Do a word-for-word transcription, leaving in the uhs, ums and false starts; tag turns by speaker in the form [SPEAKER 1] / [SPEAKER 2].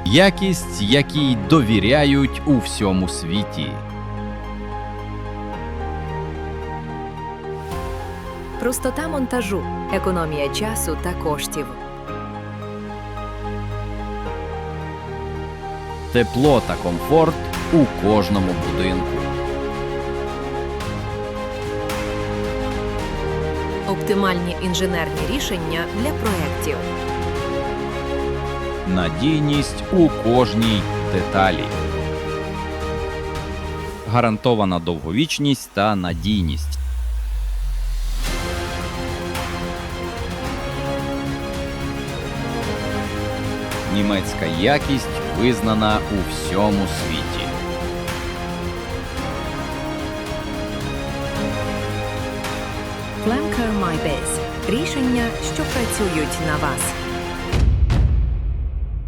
[SPEAKER 1] Якість, якій довіряють у всьому світі.
[SPEAKER 2] Простота монтажу, економія часу та коштів.
[SPEAKER 1] Тепло та комфорт у кожному будинку.
[SPEAKER 2] Оптимальні інженерні рішення для проєктів.
[SPEAKER 1] Надійність у кожній деталі. Гарантована довговічність та надійність. Німецька якість визнана у всьому світі.
[SPEAKER 2] Flamco MyBiz – рішення, що працюють на вас.